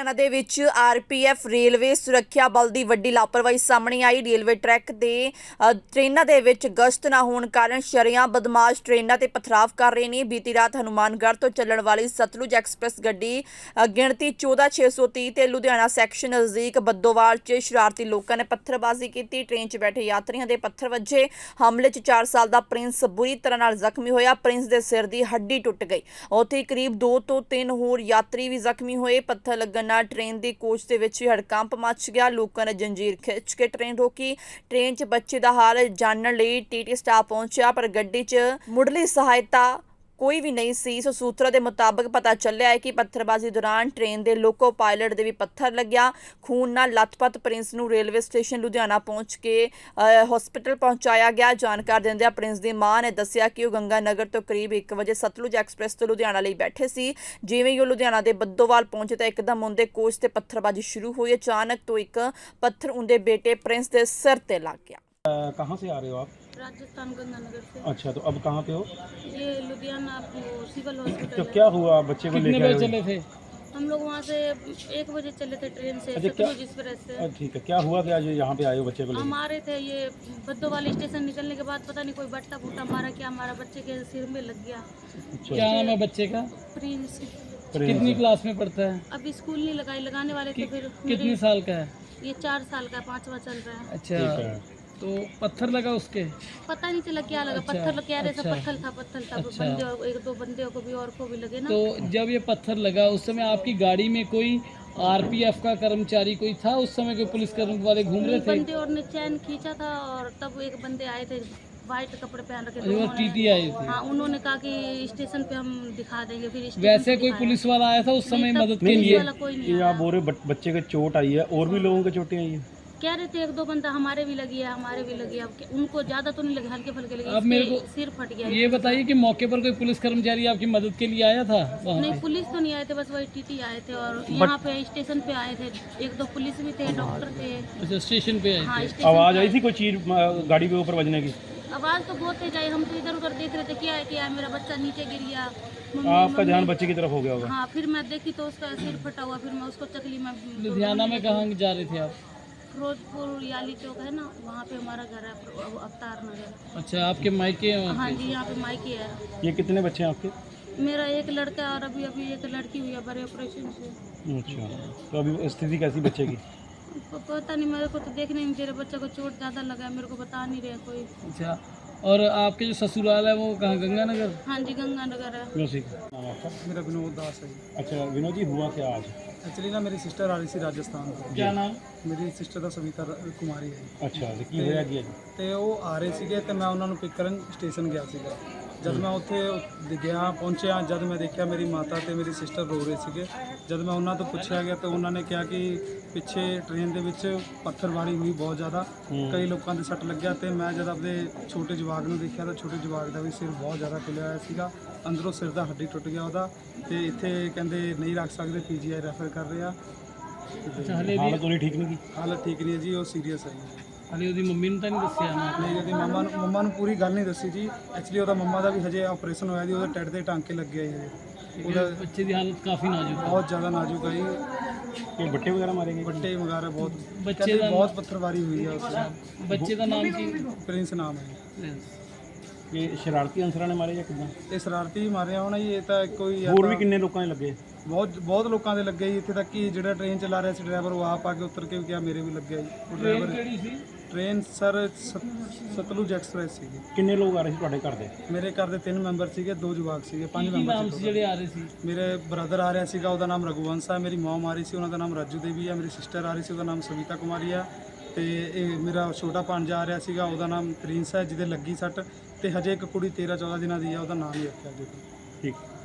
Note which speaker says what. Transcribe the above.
Speaker 1: ਲੁਧਿਆਣਾ ਦੇ ਵਿੱਚ RPF railway ਸੁਰੱਖਿਆ ਬਲ ਦੀ ਵੱਡੀ ਲਾਪਰਵਾਹੀ ਸਾਹਮਣੇ ਆਈ। ਰੇਲਵੇ ਟਰੈਕ ਦੇ ਟ੍ਰੇਨਾਂ ਦੇ ਵਿੱਚ ਗਸ਼ਤ ਨਾ ਹੋਣ ਕਾਰਨ ਸ਼ਰੇਆਮ ਬਦਮਾਸ਼ ਟ੍ਰੇਨਾਂ ਤੇ ਪਥਰਾਵ ਕਰ ਰਹੇ ਨੇ। ਬੀਤੀ ਰਾਤ ਹਨੂਮਾਨਗੜ੍ਹ ਤੋਂ ਚੱਲਣ ਵਾਲੀ ਸਤਲੁਜ ਐਕਸਪ੍ਰੈਸ ਗੱਡੀ ਗਿਣਤੀ 14630 ਤੇ ਲੁਧਿਆਣਾ ਸੈਕਸ਼ਨ ਨਜ਼ਦੀਕ ਬੱਦੋਵਾਲ 'ਚ ਸ਼ਰਾਰਤੀ ਲੋਕਾਂ ਨੇ ਪੱਥਰਬਾਜ਼ੀ ਕੀਤੀ। ਟ੍ਰੇਨ 'ਚ ਬੈਠੇ ਯਾਤਰੀਆਂ ਦੇ ਪੱਥਰ ਵੱਜੇ। ਹਮਲੇ 'ਚ 4 ਸਾਲ ਦਾ ਪ੍ਰਿੰਸ ਬੁਰੀ ਤਰ੍ਹਾਂ ਨਾਲ ਜ਼ਖਮੀ ਹੋਇਆ। ਪ੍ਰਿੰਸ ਦੇ ਸਿਰ ਦੀ ਹੱਡੀ ਟੁੱਟ ਗਈ। ਉੱਥੇ ਕਰੀਬ 2 ਤੋਂ 3 ਹੋਰ यात्री भी जख्मी हुए। पत्थर लगन नाल ट्रेन के कोच के विच हड़कंप मच गया। लोगों ने जंजीर खिंच के ट्रेन रोकी। ट्रेन च बच्चे का हाल जानने लई टीटी स्टाफ पहुंचा, पर गड्डी च मुढ़ली सहायता कोई भी नहीं सी। सो सूत्रों के मुताबिक पता चलिया है कि पत्थरबाजी दौरान ट्रेन के लोको पायलट दे भी पत्थर लग्या। खून नाल लथपथ प्रिंस नूं रेलवे स्टेशन लुधियाना पहुंच के हॉस्पिटल पहुंचाया गया। जानकारी दिंदिआं प्रिंस की मां ने दस्सिया कि वह गंगानगर तो करीब 1 बजे सतलुज एक्सप्रैस तो लुधियाना लई बैठे सी। जिवें ही लुधियाना के बद्दोवाल पहुंचे तो एकदम उनके कोच से पत्थरबाजी शुरू हुई। अचानक तो एक पत्थर उनके बेटे प्रिंस के सिर ते लग गया।
Speaker 2: कहाँ से आ रहे हो आप?
Speaker 3: राजस्थान गंगानगर से।
Speaker 2: अच्छा, तो अब कहाँ पे हो?
Speaker 3: ये लुधियाना सिविल हॉस्पिटल
Speaker 2: तो
Speaker 3: है।
Speaker 2: क्या हुआ? बच्चे को
Speaker 4: कितने
Speaker 2: लेके
Speaker 4: बजे
Speaker 2: आए
Speaker 4: चले थे?
Speaker 3: हम लोग वहाँ से 1 बजे चले थे ट्रेन से
Speaker 2: अच्छा, क्या-
Speaker 3: सतलुज एक्सप्रेस से।
Speaker 2: ठीक है, क्या हुआ कि आज यहाँ पे आए हो बच्चे को
Speaker 3: हम
Speaker 2: लेके?
Speaker 3: आ रहे थे, ये बद्दोवाली स्टेशन निकलने के बाद पता नहीं कोई बट्टा फूटा मारा क्या, हमारा बच्चे के सिर में लग गया।
Speaker 2: अच्छा,
Speaker 4: क्या नाम है बच्चे का?
Speaker 3: प्रिंस
Speaker 2: ट्रेन
Speaker 4: कितनी
Speaker 2: से।
Speaker 4: क्लास में पढ़ता है?
Speaker 3: अभी स्कूल नहीं लगाने वाले थे। फिर
Speaker 4: कितने साल का है?
Speaker 3: ये 4 साल का 5वां चल रहा है।
Speaker 4: अच्छा,
Speaker 2: ठीक है।
Speaker 4: तो पत्थर लगा उसके?
Speaker 3: पता नहीं चला क्या लगा।
Speaker 4: अच्छा,
Speaker 3: पत्थर कह रहे सब
Speaker 4: अच्छा,
Speaker 3: पत्थर था।
Speaker 4: अच्छा।
Speaker 3: बंदे और 1-2 बंदे को भी और को भी लगे ना।
Speaker 4: तो जब ये पत्थर लगा उस समय आपकी गाड़ी में कोई आरपीएफ का कर्मचारी कोई था? उस समय कोई पुलिस कर्मचारी वाले घूम रहे थे?
Speaker 3: बंदे और ने चैन खींचा था और तब एक बंदे आए थे वाइट कपड़े पहन रखे थे।
Speaker 4: वो
Speaker 3: उन्होंने-
Speaker 4: टीटी आई थी।
Speaker 3: हाँ, उन्होंने कहा कि स्टेशन पे हम दिखा देंगे। फिर स्टेशन
Speaker 4: वैसे
Speaker 3: पे
Speaker 4: कोई
Speaker 3: दिखाया।
Speaker 4: पुलिस वाला आया था उस समय
Speaker 3: नहीं, तब
Speaker 4: मदद के
Speaker 3: पुलिस
Speaker 4: लिए?
Speaker 3: वाला कोई नहीं
Speaker 2: ये
Speaker 3: आया।
Speaker 2: आप बोल रहे बच्चे के चोट आई है, और भी लोगों के चोटें आई है?
Speaker 3: कह रहे थे 1-2 बंदा हमारे भी लगी है, हमारे भी लगी है। अब उनको ज्यादा तो नहीं लगे, हल्के फुल्के लगे।
Speaker 4: अब मेरे
Speaker 3: इसके
Speaker 4: को
Speaker 3: सिर फट गया।
Speaker 4: ये बताइए कि मौके पर कोई पुलिस कर्मचारी आपकी मदद के लिए आया था वहाँ
Speaker 3: नहीं,
Speaker 4: पे?
Speaker 3: पुलिस तो नहीं आए थे, बस वही टीटी आए थे। और यहाँ पे स्टेशन पे आए थे 1-2 पुलिस भी थे, डॉक्टर थे।
Speaker 4: अच्छा, स्टेशन पे आए
Speaker 3: हाँ,
Speaker 4: थे।
Speaker 3: स्टेशन
Speaker 2: आवाज
Speaker 3: पे
Speaker 2: आई थी कोई चीज गाड़ी के ऊपर बजने की?
Speaker 3: आवाज तो बहुत तेज आई। हम तो इधर उधर देख रहे थे, क्या है मेरा बच्चा नीचे गिर गया।
Speaker 2: आपका ध्यान बच्चे की तरफ हो गया होगा।
Speaker 3: हाँ, फिर मैं देखी तो उसका सिर फटा हुआ। फिर मैं उसको चकली में
Speaker 4: लुधियाना में कहाँ जा रहे थे आप?
Speaker 3: फिरोजपुर याली चौक है ना, वहाँ पे हमारा घर है, अवतार नगर।
Speaker 4: अच्छा, आपके मायके हैं वहाँ
Speaker 3: हाँ
Speaker 4: पे?
Speaker 3: जी, यहाँ पे मायके है।
Speaker 2: ये कितने बच्चे हैं आपके?
Speaker 3: मेरा एक लड़का है और अभी एक लड़की हुई है बड़े ऑपरेशन से।
Speaker 2: अच्छा, तो अभी स्थिति कैसी बच्चे की?
Speaker 3: पता नहीं, मेरे को तो देखने में तेरे बच्चे को चोट ज़्यादा लगा है, मेरे को बता नहीं रहे कोई।
Speaker 4: अच्छा, और आपके जो ससुराल है वो कहाँ, गंगानगर?
Speaker 3: हाँ जी, गंगानगर है।
Speaker 2: नाम आपका?
Speaker 5: मेरा विनोद दास है जी।
Speaker 2: अच्छा विनोद जी, हुआ क्या आज?
Speaker 5: एक्चुअली ना मेरी सिस्टर आ रही थी राजस्थान ਤੋਂ।
Speaker 4: क्या नाम?
Speaker 5: ਮੇਰੀ ਸਿਸਟਰ ਦਾ ਸਵੀਤਾ ਕੁਮਾਰੀ ਹੈ ਜੀ।
Speaker 2: अच्छा, तो की होया की है?
Speaker 5: ਤੇ ਉਹ ਆ ਰਹੇ ਸੀਗੇ ਤੇ ਮੈਂ ਉਹਨਾਂ ਨੂੰ ਪਿਕ ਕਰਨ ਸਟੇਸ਼ਨ ਗਿਆ ਸੀਗਾ। ਜਦ ਮੈਂ ਉੱਥੇ ਗਿਆ ਪਹੁੰਚਿਆ, ਜਦ ਮੈਂ ਦੇਖਿਆ ਮੇਰੀ ਮਾਤਾ ਤੇ ਮੇਰੀ ਸਿਸਟਰ ਰੋ ਰਹੇ ਸੀਗੇ। ਜਦ ਮੈਂ ਉਹਨਾਂ ਤੋਂ ਪੁੱਛਿਆ ਗਿਆ ਤਾਂ ਉਹਨਾਂ ਨੇ ਕਿਹਾ ਕਿ ਪਿੱਛੇ ਟ੍ਰੇਨ ਦੇ ਵਿੱਚ ਪੱਥਰਬਾਰੀ ਹੋਈ ਬਹੁਤ ਜ਼ਿਆਦਾ, ਕਈ ਲੋਕਾਂ ਦੇ ਸੱਟ ਲੱਗਿਆ। ਤੇ ਮੈਂ ਜਦ ਆਪਣੇ ਛੋਟੇ ਜਵਾਕ ਨੂੰ ਦੇਖਿਆ ਤਾਂ ਛੋਟੇ ਜਵਾਕ ਦਾ ਵੀ ਸਿਰ ਬਹੁਤ ਜ਼ਿਆਦਾ ਖੁੱਲਿਆ ਹੋਇਆ ਸੀਗਾ। ਅੰਦਰੋਂ ਸਿਰ ਦਾ ਹੱਡੀ ਟੁੱਟ ਗਿਆ ਉਹਦਾ। ਤੇ ਇੱਥੇ ਕਹਿੰਦੇ ਨਹੀਂ ਰੱਖ ਸਕਦੇ, ਪੀਜੀਆਈ ਰੈਫਰ ਕਰ ਰਹੇ ਆ।
Speaker 4: अच्छा, हले भी
Speaker 2: हालत उन्हें ठीक नहीं की?
Speaker 5: ਹਾਲਤ ਠੀਕ ਨਹੀਂ ਹੈ ਜੀ, ਉਹ ਸੀਰੀਅਸ ਹੈ ਜੀ।
Speaker 4: हले ਉਹਦੀ ਮੰਮੀ ਨੂੰ ਤਾਂ ਨਹੀਂ ਦੱਸਿਆ ਨਾ?
Speaker 5: ਨਹੀਂ, ਉਹਦੀ ਮੰਮਾ ਨੂੰ ਪੂਰੀ ਗੱਲ ਨਹੀਂ ਦੱਸੀ ਜੀ। ਐਕਚੁਅਲੀ ਉਹਦਾ ਮੰਮਾ ਦਾ ਵੀ ਹਜੇ ਆਪਰੇਸ਼ਨ ਹੋਇਆ ਜੀ, ਉਹਦੇ ਟੱਟ ਦੇ ਟਾਂਕੇ ਲੱਗੇ ਆ ਜੀ। ਉਹਦਾ
Speaker 4: ਬੱਚੇ ਦੀ ਹਾਲਤ ਕਾਫੀ ਨਾਜ਼ੁਕ ਹੈ।
Speaker 5: ਬਹੁਤ ਜ਼ਿਆਦਾ ਨਾਜ਼ੁਕ ਹੈ ਜੀ।
Speaker 2: ये बट्टे वगैरह मारे गए?
Speaker 5: ਵੱਡੇ ਵਗੈਰਾ ਬਹੁਤ
Speaker 4: ਬੱਚੇ
Speaker 5: ਕਹਿੰਦੇ
Speaker 4: ਦਾ
Speaker 5: ਬਹੁਤ ਪੱਥਰਵਾਰੀ ਹੋਈ ਹੈ ਉਸ
Speaker 4: ਬੱਚੇ ਦਾ ਨਾਮ ਕੀ?
Speaker 5: ਪ੍ਰਿੰਸ ਨਾਮ ਹੈ ਜੀ।
Speaker 2: ये शरारती अंसरां ने मारे या किदां?
Speaker 5: ਇਹ ਸ਼ਰਾਰਤੀ ਮਾਰਿਆ ਹੋਣਾ ਜੀ। ਇਹ ਤਾਂ ਕੋਈ
Speaker 2: ਹੋਰ ਵੀ ਕਿੰਨੇ ਲੋਕਾਂ ਨੇ ਲੱਗੇ?
Speaker 5: ਬਹੁਤ ਲੋਕਾਂ ਦੇ ਲੱਗੇ ਜੀ। ਇੱਥੇ ਤੱਕ ਕਿ ਜਿਹੜਾ ਟ੍ਰੇਨ ਚਲਾ ਰਿਹਾ ਸੀ ਡਰਾਈਵਰ, ਉਹ ਆਪ ਆ ਕੇ ਉਤਰ ਕੇ ਵੀ ਕਿਹਾ ਮੇਰੇ ਵੀ ਲੱਗਿਆ ਜੀ। ਉਹ ਡਰਾਈਵਰ
Speaker 4: ਕਿਹੜੀ ਸੀ?
Speaker 5: ਟ੍ਰੇਨ ਸਰ ਸਤਲੁਜ ਐਕਸਪ੍ਰੈਸ ਸੀਗੀ।
Speaker 2: ਕਿੰਨੇ ਲੋਕ ਆ ਰਹੇ ਸੀ ਤੁਹਾਡੇ ਘਰ ਦੇ?
Speaker 5: ਮੇਰੇ ਘਰ ਦੇ 3 ਮੈਂਬਰ ਸੀਗੇ, 2 ਜਵਾਕ ਸੀਗੇ, 5
Speaker 4: ਕੀ
Speaker 5: ਮੈਂਬਰ
Speaker 4: ਨਾਮ
Speaker 5: ਸੀ
Speaker 4: ਸੀ ਜਿਹੜੇ ਆ ਰਹੇ ਸੀ?
Speaker 5: ਮੇਰੇ ਬ੍ਰਦਰ ਆ ਰਿਹਾ ਸੀਗਾ, ਉਹਦਾ ਨਾਮ ਰਘੁਵੰਸ਼ ਹੈ। ਮੇਰੀ ਮਮ ਆ ਰਹੀ ਸੀ, ਉਹਨਾਂ ਦਾ ਨਾਮ ਰਾਜੂ ਦੇਵੀ ਹੈ। ਮੇਰੀ ਸਿਸਟਰ ਆ ਰਹੀ ਸੀ, ਉਹਦਾ ਨਾਮ ਸਵੀਤਾ ਕੁਮਾਰੀ ਆ। ਤੇ ਇਹ ਮੇਰਾ ਛੋਟਾ ਭਾਂਜਾ ਆ ਰਿਹਾ ਸੀਗਾ, ਉਹਦਾ ਨਾਮ ਪ੍ਰਿੰਸ ਹੈ, ਜਿਹਦੇ ਲੱਗੀ ਸੱਟ। ਤੇ ਹਜੇ ਇੱਕ ਕੁੜੀ 13-14 ਦਿਨਾਂ ਦੀ ਆ, ਉਹਦਾ ਨਾਮ ਹੀ ਰੱਖਿਆ ਜੀ।
Speaker 2: ਠੀਕ।